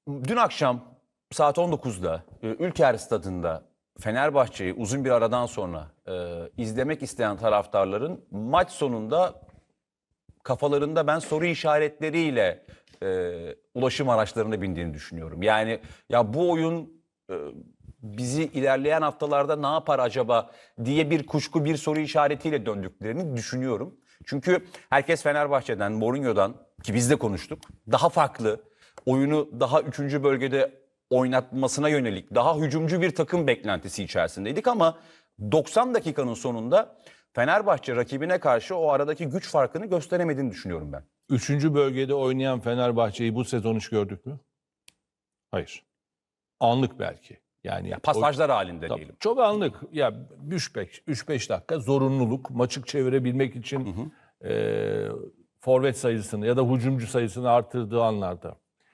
Dün akşam saat 19'da Ülker Stadı'nda Fenerbahçe'yi uzun bir aradan sonra izlemek isteyen taraftarların maç sonunda kafalarında ben soru işaretleriyle ulaşım araçlarına bindiğini düşünüyorum. Yani ya bu oyun bizi ilerleyen haftalarda ne yapar acaba diye bir kuşku, bir soru işaretiyle döndüklerini düşünüyorum. Çünkü herkes Fenerbahçe'den, Mourinho'dan ki biz de konuştuk. Daha farklı, oyunu daha 3. bölgede oynatmasına yönelik daha hücumcu bir takım beklentisi içerisindeydik ama 90 dakikanın sonunda Fenerbahçe rakibine karşı o aradaki güç farkını gösteremediğini düşünüyorum ben. 3. bölgede oynayan Fenerbahçe'yi bu sezon hiç gördük mü? Hayır. Anlık belki. Yani Pasajlar halinde tabii, diyelim. çok anlık. Ya 3-5 dakika zorunluluk maçı çevirebilmek için forvet sayısını ya da hücumcu sayısını artırdığı anlarda.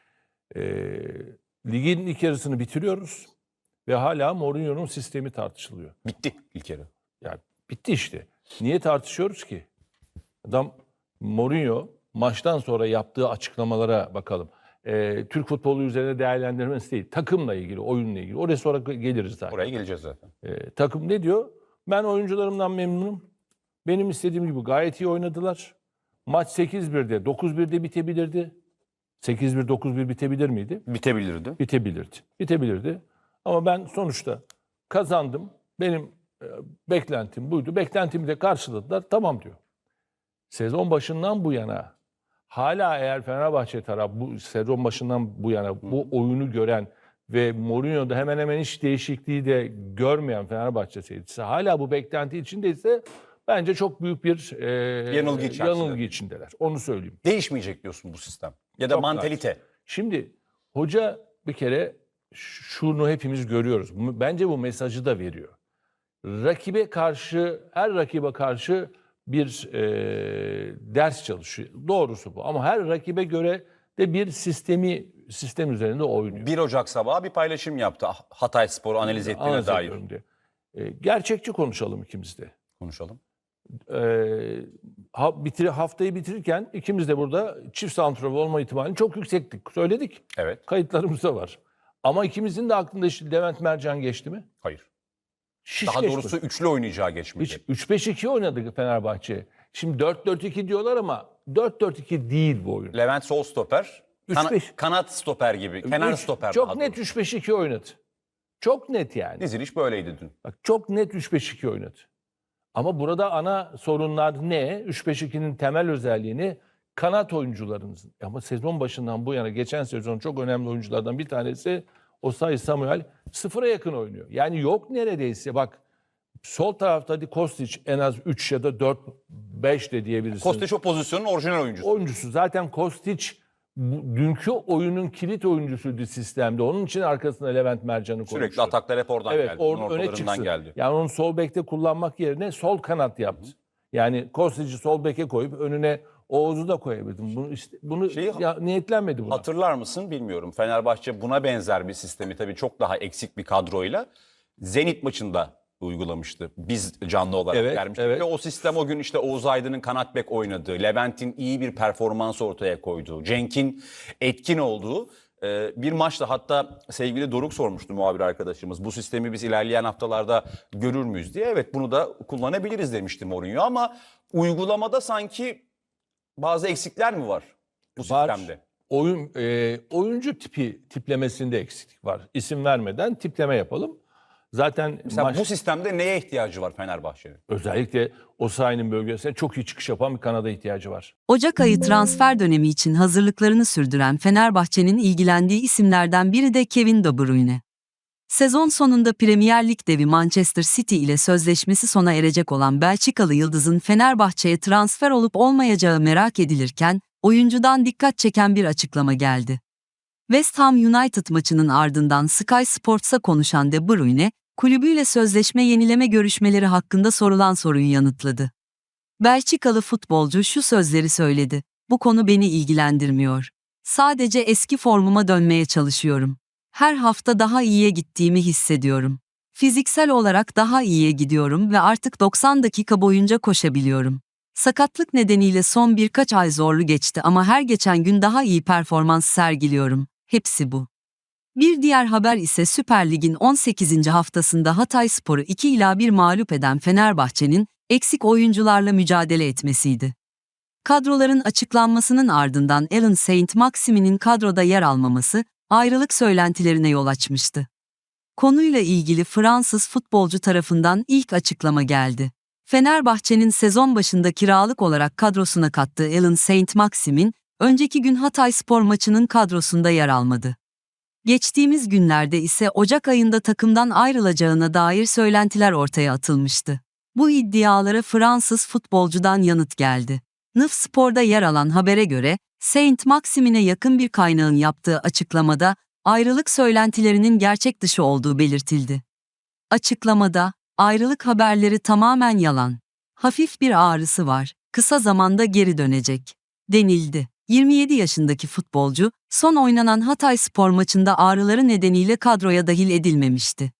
Ligin ilk yarısını bitiriyoruz ve hala Mourinho'nun sistemi tartışılıyor. Bitti ilk yarı. Yani bitti işte. Niye tartışıyoruz ki? Adam Mourinho maçtan sonra yaptığı açıklamalara bakalım. Türk futbolu üzerine değerlendirmesi değil. Takımla ilgili, oyunla ilgili. Oraya sonra geliriz zaten. Oraya geleceğiz zaten. Takım ne diyor? Ben oyuncularımdan memnunum. Benim istediğim gibi gayet iyi oynadılar. Maç 8-1'de, 9-1'de bitebilirdi. 8-1, 9-1 bitebilir miydi? Bitebilirdi. Bitebilirdi. Bitebilirdi. Ama ben sonuçta kazandım. Benim beklentim buydu. Beklentimi de karşıladılar. Tamam diyor. Sezon başından bu yana hala eğer Fenerbahçe tarafı bu sezon başından bu yana bu oyunu gören ve Mourinho'da hemen hemen hiç değişikliği de görmeyen Fenerbahçe seyircisi hala bu beklenti içindeyse bence çok büyük bir yanılgı içindeler. Onu söyleyeyim. Değişmeyecek diyorsun bu sistem. Ya da Çok mantalite. naçiz. Şimdi hoca bir kere şunu hepimiz görüyoruz. Bence bu mesajı da veriyor. Rakibe karşı, her rakibe karşı bir ders çalışıyor. Doğrusu bu. Ama her rakibe göre de bir sistem üzerinde oynuyor. 1 Ocak sabahı bir paylaşım yaptı Hatayspor'u analiz ettiğine Analiz dair. ediyorum diye. Gerçekçi konuşalım ikimiz de. Konuşalım. Haftayı bitirirken ikimiz de burada çift santrafor olma ihtimalini çok yüksektik. Söyledik. Evet. Kayıtlarımızda var. Ama ikimizin de aklında işte Levent Mercan geçti mi? Hayır. Hiç Daha geçmedi. doğrusu üçlü oynayacağı geçmedi. Hiç 3-5-2 oynadı Fenerbahçe. Şimdi 4-4-2 diyorlar ama 4-4-2 değil bu oyun. Levent sol stoper. 3-5. Kanat stoper gibi. Kenar stoper. Çok daha net doğrusu. 3-5-2 oynadı. Çok net yani. Diziliş böyleydi dün. Bak, çok net 3-5-2 oynadı. Ama burada ana sorunlar ne? 3-5-2'nin temel özelliğini kanat oyuncularınızın. Ama sezon başından bu yana geçen sezon çok önemli oyunculardan bir tanesi Osayi Samuel 0'a yakın oynuyor. Yani yok neredeyse. Bak sol tarafta hadi Kostić en az 3 ya da 4-5 de diyebilirsiniz. Kostić o pozisyonun orijinal oyuncusu. Oyuncusu. Zaten Kostić dünkü oyunun kilit oyuncusuydu sistemde. Onun için arkasına Levent Mercan'ı koymuştu. Sürekli ataklar hep oradan Evet, geldi. Onun öne ortalarından çıksın. geldi. Yani onu sol bekte kullanmak yerine sol kanat yaptı. Yani Kostic'i sol beke koyup önüne Oğuz'u da koyabilirdim. Bunu niyetlenmedi buna. Hatırlar mısın bilmiyorum. Fenerbahçe buna benzer bir sistemi tabii çok daha eksik bir kadroyla Zenit maçında uygulamıştı. Biz canlı olarak gelmiştik. evet. Ve o sistem o gün işte Oğuz Aydın'ın kanat bek oynadığı, Levent'in iyi bir performans ortaya koyduğu, Cenk'in etkin olduğu bir maçta, hatta sevgili Doruk sormuştu, muhabir arkadaşımız. Bu sistemi biz ilerleyen haftalarda görür müyüz diye. Evet, bunu da kullanabiliriz demişti Mourinho ama uygulamada sanki bazı eksikler mi var bu sistemde? Oyuncu tiplemesinde eksiklik var. İsim vermeden tipleme yapalım. Zaten Mesela bu sistemde neye ihtiyacı var Fenerbahçe'nin? özellikle Osayi'nin bölgesine çok iyi çıkış yapan bir kanada ihtiyacı var. Ocak ayı transfer dönemi için hazırlıklarını sürdüren Fenerbahçe'nin ilgilendiği isimlerden biri de Kevin De Bruyne. Sezon sonunda Premier Lig devi Manchester City ile sözleşmesi sona erecek olan Belçikalı yıldızın Fenerbahçe'ye transfer olup olmayacağı merak edilirken, oyuncudan dikkat çeken bir açıklama geldi. West Ham United maçının ardından Sky Sports'a konuşan De Bruyne, kulübüyle sözleşme yenileme görüşmeleri hakkında sorulan soruyu yanıtladı. Belçikalı futbolcu şu sözleri söyledi: "Bu konu beni ilgilendirmiyor. Sadece eski formuma dönmeye çalışıyorum. Her hafta daha iyiye gittiğimi hissediyorum. Fiziksel olarak daha iyiye gidiyorum ve artık 90 dakika boyunca koşabiliyorum. Sakatlık nedeniyle son birkaç ay zorlu geçti ama her geçen gün daha iyi performans sergiliyorum. Hepsi bu." Bir diğer haber ise Süper Lig'in 18. haftasında Hatayspor'u 2-1 mağlup eden Fenerbahçe'nin eksik oyuncularla mücadele etmesiydi. Kadroların açıklanmasının ardından Alan Saint-Maximin'in kadroda yer almaması ayrılık söylentilerine yol açmıştı. Konuyla ilgili Fransız futbolcu tarafından ilk açıklama geldi. Fenerbahçe'nin sezon başında kiralık olarak kadrosuna kattığı Alan Saint-Maximin, önceki gün Hatayspor maçının kadrosunda yer almadı. Geçtiğimiz günlerde ise Ocak ayında takımdan ayrılacağına dair söylentiler ortaya atılmıştı. Bu iddialara Fransız futbolcudan yanıt geldi. NIF Spor'da yer alan habere göre, Saint-Maximin'e yakın bir kaynağın yaptığı açıklamada, ayrılık söylentilerinin gerçek dışı olduğu belirtildi. Açıklamada, ayrılık haberleri tamamen yalan. Hafif bir ağrısı var, kısa zamanda geri dönecek, denildi. 27 yaşındaki futbolcu, son oynanan Hatayspor maçında ağrıları nedeniyle kadroya dahil edilmemişti.